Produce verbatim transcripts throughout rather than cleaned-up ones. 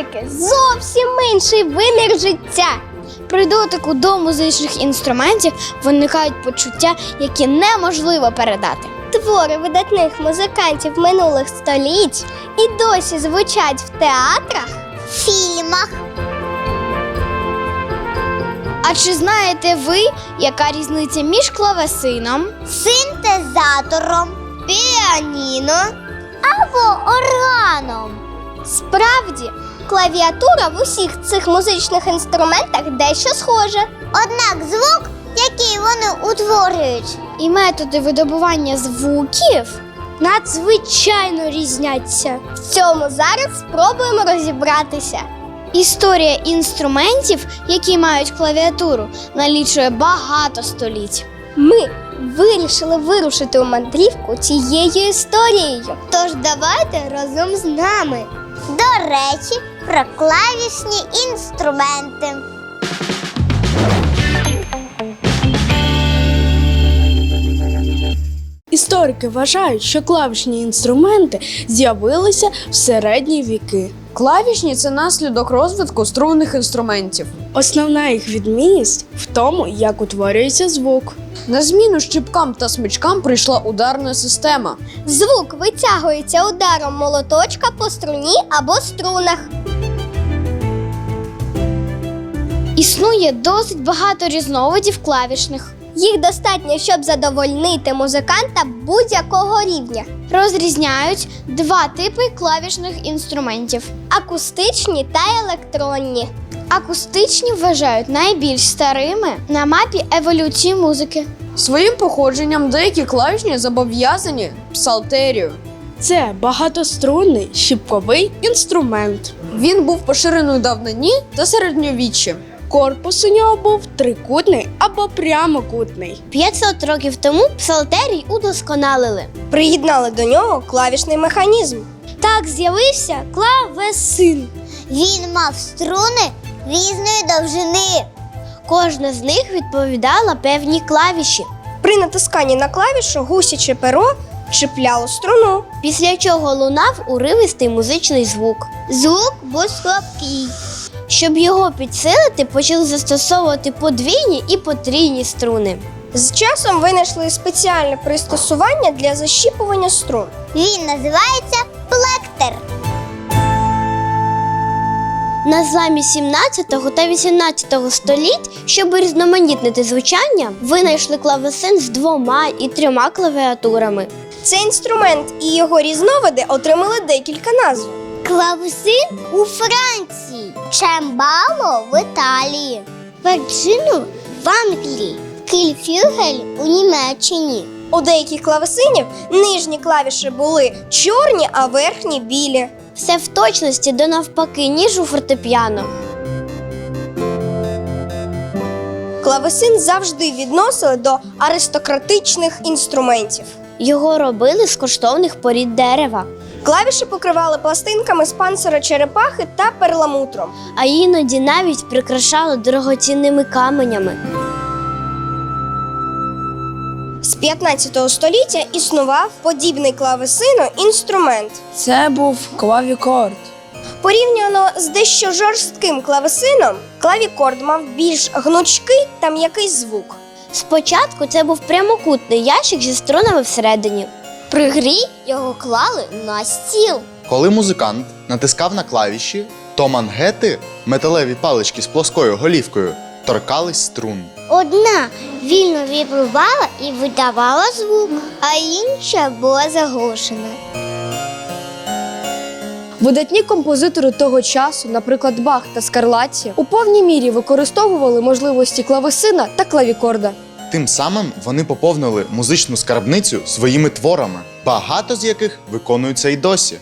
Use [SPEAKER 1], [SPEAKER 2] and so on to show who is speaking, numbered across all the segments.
[SPEAKER 1] музики зовсім інший вимір життя.
[SPEAKER 2] При дотику до музичних інструментів виникають почуття, які неможливо передати.
[SPEAKER 1] Твори видатних музикантів минулих століть і досі звучать в театрах, фільмах.
[SPEAKER 2] А чи знаєте ви, яка різниця між клавесином,
[SPEAKER 1] Синтезатором, піаніно або органом? Справді, клавіатура в усіх цих музичних інструментах дещо схожа. Однак звук, який вони утворюють,
[SPEAKER 2] і методи видобування звуків
[SPEAKER 1] надзвичайно різняться. В цьому зараз спробуємо розібратися.
[SPEAKER 2] Історія інструментів, які мають клавіатуру, налічує багато століть.
[SPEAKER 1] Ми вирішили вирушити у мандрівку цією історією. Тож давайте разом з нами. До речі, про клавішні інструменти.
[SPEAKER 3] Історики вважають, що клавішні інструменти з'явилися в середні віки.
[SPEAKER 4] Клавішні – це наслідок розвитку струнних інструментів.
[SPEAKER 3] Основна їх відмінність в тому, як утворюється звук.
[SPEAKER 4] На зміну щипкам та смичкам прийшла ударна система.
[SPEAKER 1] Звук витягується ударом молоточка по струні або струнах.
[SPEAKER 2] Існує досить багато різновидів клавішних.
[SPEAKER 1] Їх достатньо, щоб задовольнити музиканта будь-якого рівня.
[SPEAKER 2] Розрізняють два типи клавішних інструментів.
[SPEAKER 1] Акустичні та електронні.
[SPEAKER 2] Акустичні вважають найбільш старими на мапі еволюції музики.
[SPEAKER 4] Своїм походженням деякі клавішні зобов'язані псалтерію.
[SPEAKER 3] Це багатострунний щипковий інструмент.
[SPEAKER 4] Він був поширений у давнині та середньовіччі.
[SPEAKER 3] Корпус у нього був трикутний або прямокутний.
[SPEAKER 1] п'ятсот років тому псалтерій удосконалили. Приєднали до нього клавішний механізм. Так з'явився клавесин. Він мав струни різної довжини. Кожна з них відповідала певній клавіші. При натисканні на клавішу гусяче перо чіпляло струну, після чого лунав уривистий музичний звук. Звук був слабкий. Щоб його підсилити, почали застосовувати подвійні і потрійні струни. З часом винайшли спеціальне пристосування для защіпування струн. Він називається плектер. На зламі сімнадцятого та вісімнадцятого століть, щоб різноманітнити звучання, винайшли клавесин з двома і трьома клавіатурами. Цей інструмент і його різновиди отримали декілька назв. Клавесин у Франції, чембало в Італії, перджину в Англії, кільфюгель у Німеччині. У деяких клавесинів нижні клавіші були чорні, а верхні білі. Все в точності до навпаки, ніж у фортепіано. Клавесин завжди відносили до аристократичних інструментів. Його робили з коштовних порід дерева. Клавіші покривали пластинками з панцира черепахи та перламутром, а іноді навіть прикрашали дорогоцінними каменями. З п'ятнадцятого століття існував подібний клавесину інструмент.
[SPEAKER 3] Це був клавікорд.
[SPEAKER 1] Порівняно з дещо жорстким клавесином, клавікорд мав більш гнучкий та м'який звук. Спочатку це був прямокутний ящик зі струнами всередині. При грі його клали на стіл.
[SPEAKER 5] Коли музикант натискав на клавіші, то мангети, металеві палички з плоскою голівкою, торкались струн.
[SPEAKER 1] Одна вільно вібрувала і видавала звук, а інша була заглушена.
[SPEAKER 4] Видатні композитори того часу, наприклад, Бах та Скарлатті, у повній мірі використовували можливості клавесина та клавікорда.
[SPEAKER 5] Тим самим вони поповнили музичну скарбницю своїми творами, багато з яких виконуються й досі.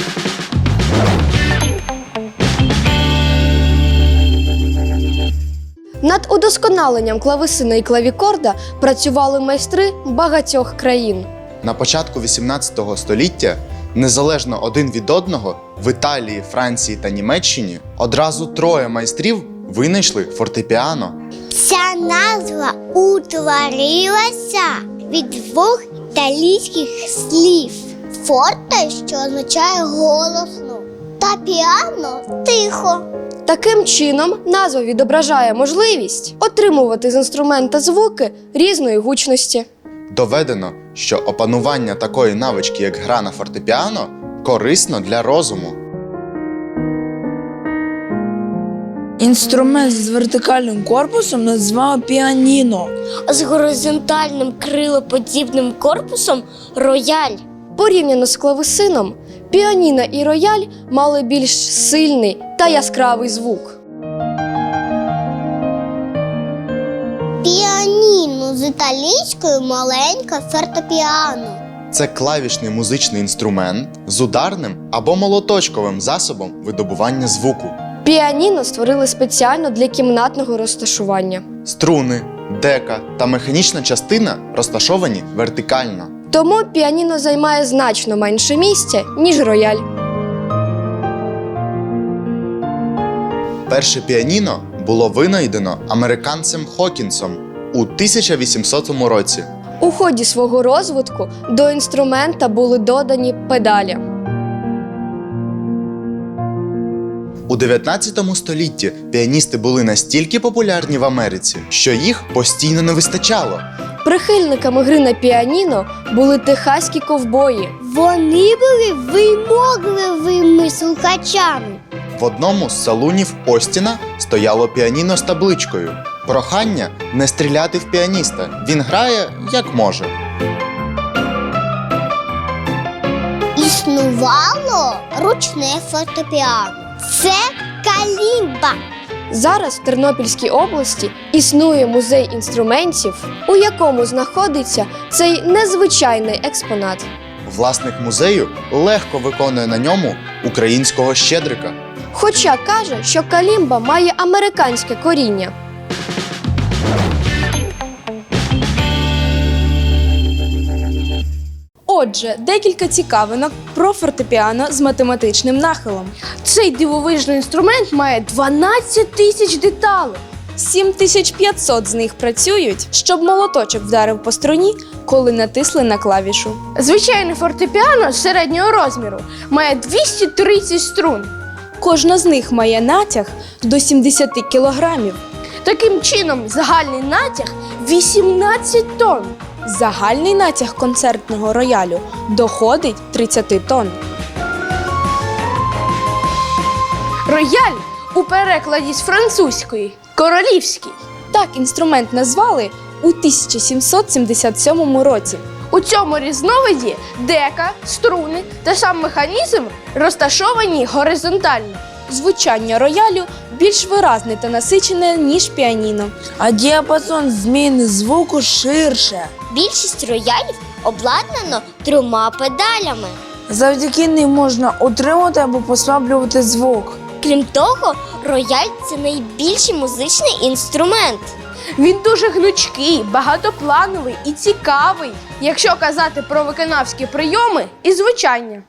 [SPEAKER 4] Над удосконаленням клавесина і клавікорда працювали майстри багатьох країн.
[SPEAKER 5] На початку вісімнадцятого століття, незалежно один від одного, в Італії, Франції та Німеччині одразу троє майстрів винайшли фортепіано.
[SPEAKER 1] Ця назва утворилася від двох італійських слів. Форте, що означає голосно, та фортепіано тихо.
[SPEAKER 4] Таким чином, назва відображає можливість отримувати з інструмента звуки різної гучності.
[SPEAKER 5] Доведено, що опанування такої навички, як гра на фортепіано, корисно для розуму.
[SPEAKER 6] Інструмент з вертикальним корпусом називали піаніно.
[SPEAKER 1] З горизонтальним крилоподібним корпусом рояль.
[SPEAKER 4] Порівняно з клавесином, піаніно і рояль мали більш сильний та яскравий звук.
[SPEAKER 1] Піаніно з італійською маленьке фортепіано.
[SPEAKER 5] Це клавішний музичний інструмент з ударним або молоточковим засобом видобування звуку.
[SPEAKER 4] Піаніно створили спеціально для кімнатного розташування.
[SPEAKER 5] Струни, дека та механічна частина розташовані вертикально.
[SPEAKER 4] Тому піаніно займає значно менше місця, ніж рояль.
[SPEAKER 5] Перше піаніно було винайдено американцем Хокінсом у тисяча вісімсотому році.
[SPEAKER 4] У ході свого розвитку до інструмента були додані педалі.
[SPEAKER 5] У дев'ятнадцятому столітті піаністи були настільки популярні в Америці, що їх постійно не вистачало.
[SPEAKER 4] Прихильниками гри на піаніно були техаські ковбої.
[SPEAKER 1] Вони були вимогливими слухачами.
[SPEAKER 5] В одному з салунів Остіна стояло піаніно з табличкою: прохання не стріляти в піаніста, він грає як може.
[SPEAKER 1] Існувало ручне фортепіано. Це калімба.
[SPEAKER 4] Зараз в Тернопільській області існує музей інструментів, у якому знаходиться цей незвичайний експонат.
[SPEAKER 5] Власник музею легко виконує на ньому українського щедрика.
[SPEAKER 4] Хоча каже, що калімба має американське коріння.
[SPEAKER 3] Отже, декілька цікавинок про фортепіано з математичним нахилом. Цей дивовижний інструмент має дванадцять тисяч деталей. сім тисяч п'ятсот з них працюють, щоб молоточок вдарив по струні, коли натисли на клавішу. Звичайне фортепіано середнього розміру має двісті тридцять струн. Кожна з них має натяг до сімдесят кілограмів. Таким чином, загальний натяг вісімнадцять тонн. Загальний натяг концертного роялю доходить тридцять тонн. Рояль у перекладі з французької королівський. Так інструмент назвали у тисяча сімсот сімдесят сьомому році. У цьому різновиді дека, струни та сам механізм розташовані горизонтально. Звучання роялю більш виразне та насичене, ніж піаніно.
[SPEAKER 6] А діапазон зміни звуку ширше.
[SPEAKER 1] Більшість роялів обладнано трьома педалями.
[SPEAKER 6] Завдяки ним можна утримувати або послаблювати звук.
[SPEAKER 1] Крім того, рояль – це найбільший музичний інструмент.
[SPEAKER 3] Він дуже гнучкий, багатоплановий і цікавий, якщо казати про виконавські прийоми і звучання.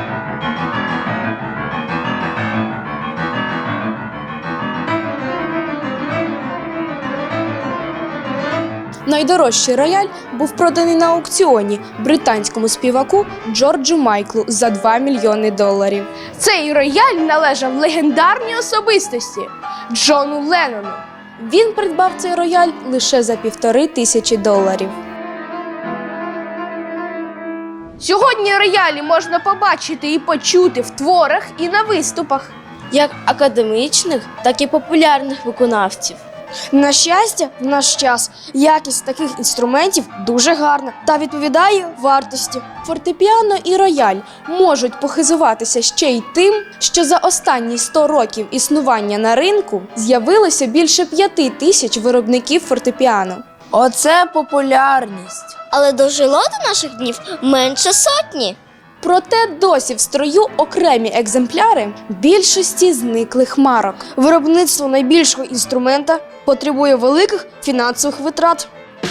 [SPEAKER 3] Найдорожчий рояль був проданий на аукціоні британському співаку Джорджу Майклу за два мільйони доларів. Цей рояль належав легендарній особистості Джону Леннону. Він придбав цей рояль лише за півтори тисячі доларів. Сьогодні роялі можна побачити і почути в творах і на виступах як академічних, так і популярних виконавців.
[SPEAKER 4] На щастя, в наш час якість таких інструментів дуже гарна та відповідає вартості.
[SPEAKER 3] Фортепіано і рояль можуть похизуватися ще й тим, що за останні сто років існування на ринку з'явилося більше п'яти тисяч виробників фортепіано.
[SPEAKER 6] Оце популярність.
[SPEAKER 1] Але дожило до наших днів менше сотні.
[SPEAKER 3] Проте досі в строю окремі екземпляри більшості зниклих марок.
[SPEAKER 4] Виробництво найбільшого інструмента потребує великих фінансових витрат.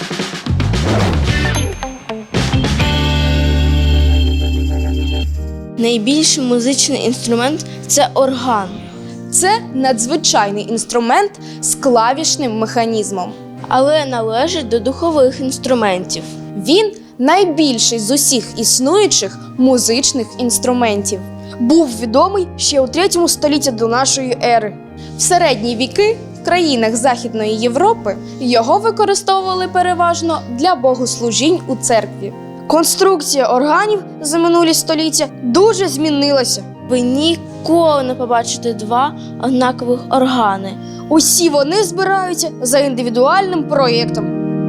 [SPEAKER 2] Найбільший музичний інструмент – це орган.
[SPEAKER 3] Це надзвичайний інструмент з клавішним механізмом.
[SPEAKER 2] Але належить до духових інструментів.
[SPEAKER 3] Він найбільший з усіх існуючих музичних інструментів. був відомий ще у третьому столітті до нашої ери. В середні віки в країнах Західної Європи його використовували переважно для богослужінь у церкві. Конструкція органів за минулі століття дуже змінилася.
[SPEAKER 7] Ви ніколи не побачите два однакових органи.
[SPEAKER 3] Усі вони збираються за індивідуальним проєктом.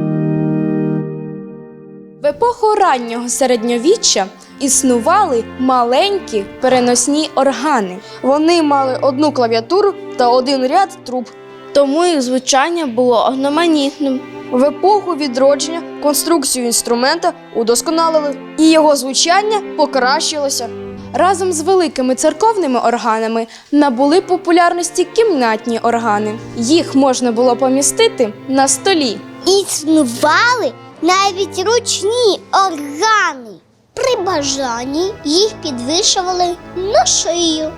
[SPEAKER 3] В епоху раннього середньовіччя існували маленькі переносні органи. Вони мали одну клавіатуру та один ряд труб.
[SPEAKER 7] Тому їх звучання було одноманітним.
[SPEAKER 3] В епоху відродження конструкцію інструмента удосконалили, і його звучання покращилося. Разом з великими церковними органами набули популярності кімнатні органи. Їх можна було помістити на столі.
[SPEAKER 1] Існували навіть ручні органи. При бажанні їх підвішували на шию.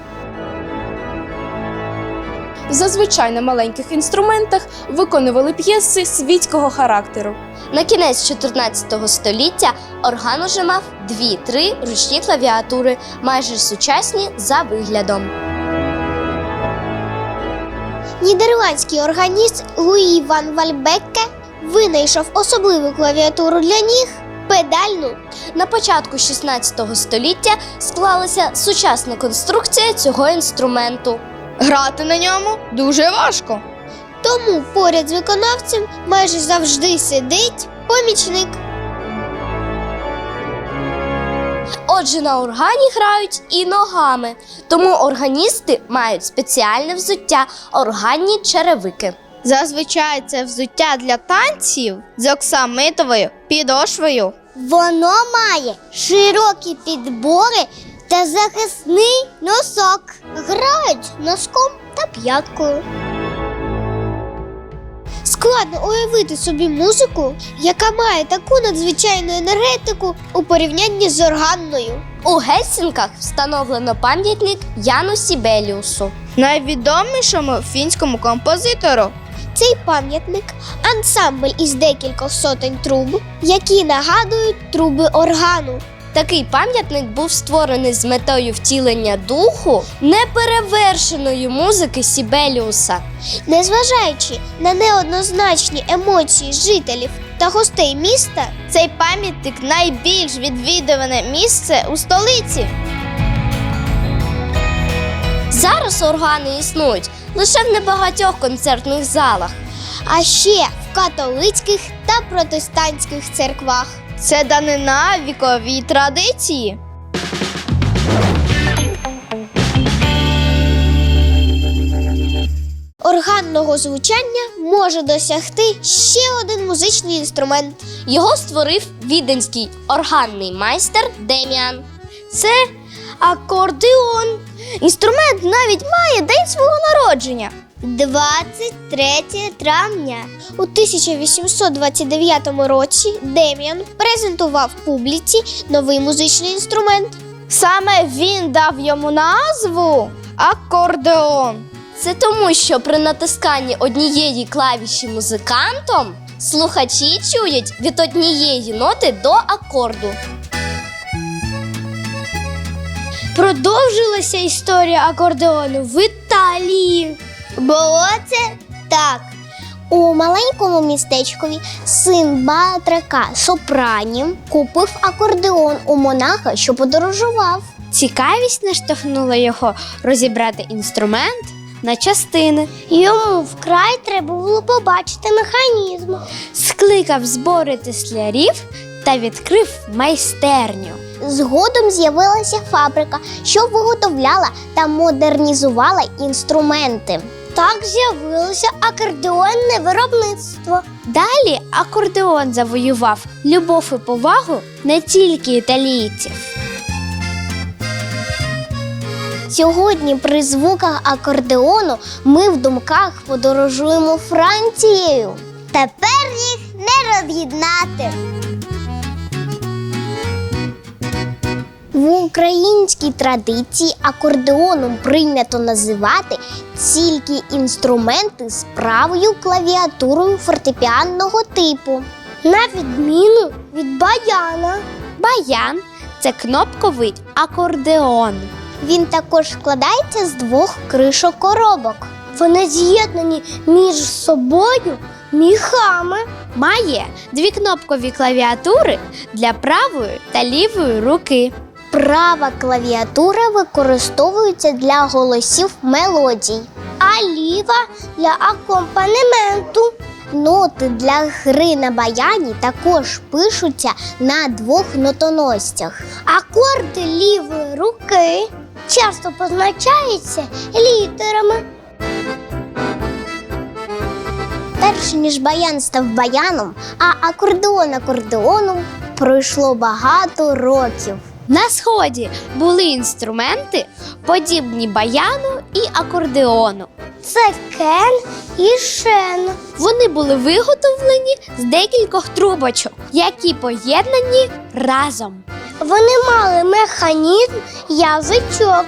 [SPEAKER 3] Зазвичай на маленьких інструментах виконували п'єси світського характеру.
[SPEAKER 2] На кінець чотирнадцятого століття орган уже мав дві-три ручні клавіатури, майже сучасні за виглядом.
[SPEAKER 1] Нідерландський органіст Луї ван Вальбекке винайшов особливу клавіатуру для ніг – педальну.
[SPEAKER 2] На початку шістнадцятого століття склалася сучасна конструкція цього інструменту.
[SPEAKER 4] Грати на ньому дуже важко.
[SPEAKER 1] Тому поряд з виконавцем майже завжди сидить помічник.
[SPEAKER 2] Отже, на органі грають і ногами, тому органісти мають спеціальне взуття – органні черевики.
[SPEAKER 4] Зазвичай це взуття для танців з оксамитовою підошвою.
[SPEAKER 1] Воно має широкі підбори та захисний носок. Грають носком та п'яткою. Складно уявити собі музику, яка має таку надзвичайну енергетику у порівнянні з органною.
[SPEAKER 2] У Гельсінках встановлено пам'ятник Яну Сібеліусу.
[SPEAKER 4] Найвідомішому фінському композитору.
[SPEAKER 1] Цей пам'ятник – ансамбль із декількох сотень труб, які нагадують труби органу.
[SPEAKER 2] Такий пам'ятник був створений з метою втілення духу неперевершеної музики Сібеліуса.
[SPEAKER 1] Незважаючи на неоднозначні емоції жителів та гостей міста,
[SPEAKER 4] Цей пам'ятник найбільш відвідуване місце у столиці.
[SPEAKER 2] Зараз органи існують лише в небагатьох концертних залах.
[SPEAKER 1] а ще в католицьких та протестантських церквах.
[SPEAKER 4] Це данина віковій традиції.
[SPEAKER 1] Органного звучання може досягти ще один музичний інструмент.
[SPEAKER 2] Його створив віденський органний майстер Деміан. Це акордеон.
[SPEAKER 4] Інструмент навіть має день свого народження.
[SPEAKER 1] двадцять третє травня. У тисяча вісімсот двадцять дев'ятому році Деміан презентував публіці новий музичний інструмент.
[SPEAKER 4] Саме він дав йому назву акордеон.
[SPEAKER 2] Це тому, що при натисканні однієї клавіші музикантом слухачі чують від однієї ноти до акорду.
[SPEAKER 1] Продовжилася історія акордеону в Італії. Було це так. У маленькому містечкові син батрака Сопранів купив акордеон у монаха, що подорожував.
[SPEAKER 2] Цікавість наштовхнула його розібрати інструмент на частини.
[SPEAKER 1] Йому вкрай треба було побачити механізм.
[SPEAKER 2] Скликав збори теслярів та відкрив майстерню.
[SPEAKER 1] Згодом з'явилася фабрика, що виготовляла та модернізувала інструменти. Так з'явилося акордеонне виробництво.
[SPEAKER 2] Далі акордеон завоював любов і повагу не тільки італійців.
[SPEAKER 1] Сьогодні при звуках акордеону ми в думках подорожуємо Францією. Тепер їх не роз'єднати. В українській традиції акордеоном прийнято називати тільки інструменти з правою клавіатурою фортепіанного типу, на відміну від баяна.
[SPEAKER 2] Баян – це кнопковий акордеон.
[SPEAKER 1] Він також складається з двох кришок коробок. Вони з'єднані між собою міхами.
[SPEAKER 2] Має дві кнопкові клавіатури для правої та лівої руки.
[SPEAKER 1] Права клавіатура використовується для голосів мелодій, а ліва для акомпанементу. Ноти для гри на баяні також пишуться на двох нотоносцях. Акорди лівої руки часто позначаються літерами. Перш ніж баян став баяном, а акордеон акордеоном, пройшло багато років.
[SPEAKER 2] На Сході були інструменти, подібні баяну і акордеону.
[SPEAKER 1] Це кен і шен.
[SPEAKER 2] Вони були виготовлені з декількох трубочок, які поєднані разом.
[SPEAKER 1] Вони мали механізм язичок.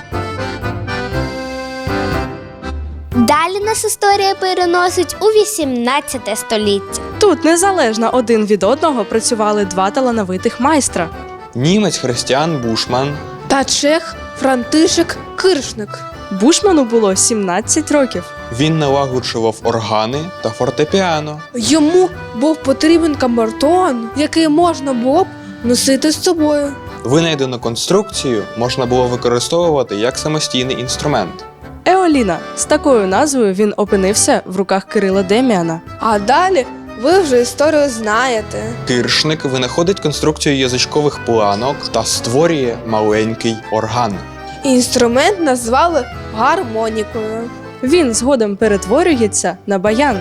[SPEAKER 2] Далі нас історія переносить у вісімнадцяте століття.
[SPEAKER 3] Тут незалежно один від одного працювали два талановитих майстра.
[SPEAKER 8] Німець Христіан Бушман
[SPEAKER 3] Та чех Франтишек Киршник. Бушману було сімнадцять років.
[SPEAKER 8] він налагоджував органи та фортепіано.
[SPEAKER 6] Йому був потрібен камертон, який можна було б носити з собою.
[SPEAKER 8] Винайдену конструкцію можна було використовувати як самостійний інструмент.
[SPEAKER 3] Еоліна. З такою назвою він опинився в руках Кирила Деміана.
[SPEAKER 6] А далі ви вже історію знаєте.
[SPEAKER 8] Киршник винаходить конструкцію язичкових планок та створює маленький орган.
[SPEAKER 6] Інструмент назвали гармонікою.
[SPEAKER 3] Він згодом перетворюється на баян.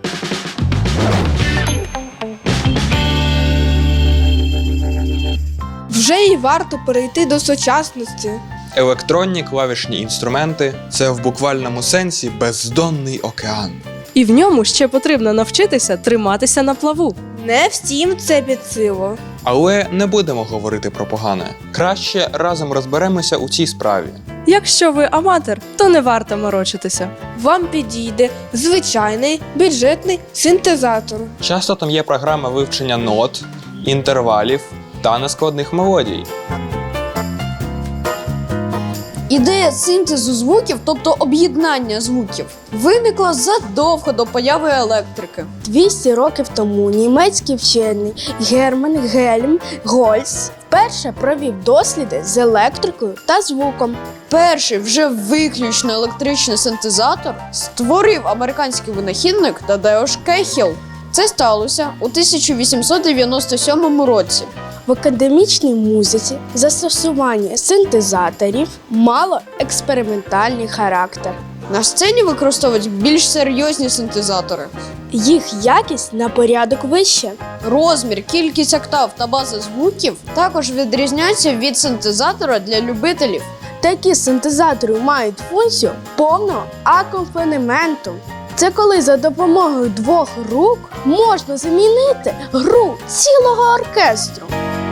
[SPEAKER 6] Вже й варто перейти до сучасності.
[SPEAKER 8] Електронні клавішні інструменти – це в буквальному сенсі бездонний океан.
[SPEAKER 3] І в ньому ще потрібно навчитися триматися на плаву.
[SPEAKER 6] Не всім це під силу.
[SPEAKER 8] Але не будемо говорити про погане. Краще разом розберемося у цій справі.
[SPEAKER 3] Якщо ви аматор, то не варто морочитися.
[SPEAKER 6] Вам підійде звичайний бюджетний синтезатор.
[SPEAKER 8] Часто там є програма вивчення нот, інтервалів та нескладних мелодій.
[SPEAKER 9] Ідея синтезу звуків, тобто об'єднання звуків, виникла задовго до появи електрики.
[SPEAKER 7] двісті років тому німецький вчений Герман Гельм Гольц вперше провів досліди з електрикою та звуком.
[SPEAKER 9] Перший вже виключно електричний синтезатор створив американський винахідник Тадеуш Кехіл. Це сталося у тисяча вісімсот дев'яносто сьомому році.
[SPEAKER 7] В академічній музиці застосування синтезаторів мало експериментальний характер.
[SPEAKER 9] На сцені використовують більш серйозні синтезатори.
[SPEAKER 7] Їх якість на порядок вища.
[SPEAKER 9] Розмір, кількість октав та база звуків також відрізняються від синтезатора для любителів.
[SPEAKER 7] Такі синтезатори мають функцію повного акомпанементу. Це коли за допомогою двох рук можна замінити гру цілого оркестру.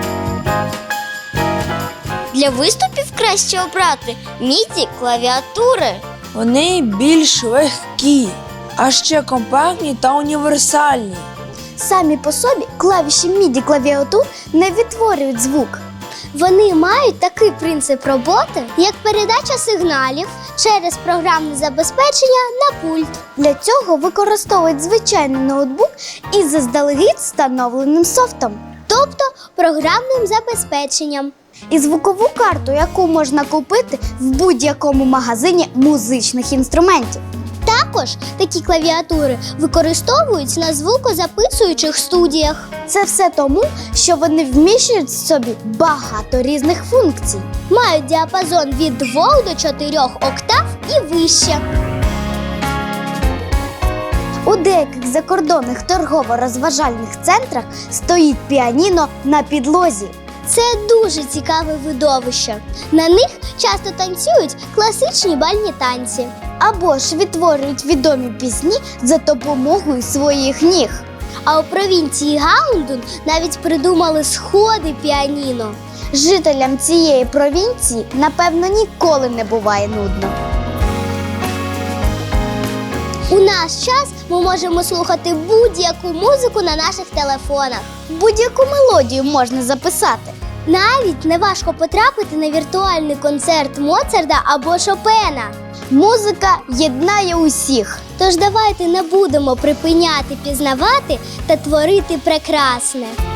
[SPEAKER 1] Для виступів краще обрати міді клавіатури.
[SPEAKER 6] Вони більш легкі, а ще компактні та універсальні.
[SPEAKER 1] Самі по собі клавіші міді клавіатур не відтворюють звук. Вони мають такий принцип роботи, як передача сигналів через програмне забезпечення на пульт. Для цього використовують звичайний ноутбук із заздалегідь встановленим софтом, тобто програмним забезпеченням. І звукову карту, яку можна купити в будь-якому магазині музичних інструментів. Також такі клавіатури використовують на звукозаписуючих студіях. Це все тому, що вони вміщують в собі багато різних функцій. Мають діапазон від двох до чотирьох октав і вище. У деяких закордонних торгово-розважальних центрах стоїть піаніно на підлозі. Це дуже цікаве видовище. На них часто танцюють класичні бальні танці. Або ж відтворюють відомі пісні за допомогою своїх ніг. А у провінції Гаундун навіть придумали сходи піаніно. Жителям цієї провінції, напевно, ніколи не буває нудно. У наш час ми можемо слухати будь-яку музику на наших телефонах. Будь-яку мелодію можна записати. Навіть не важко потрапити на віртуальний концерт Моцарта або Шопена. Музика єднає усіх. Тож давайте не будемо припиняти пізнавати та творити прекрасне.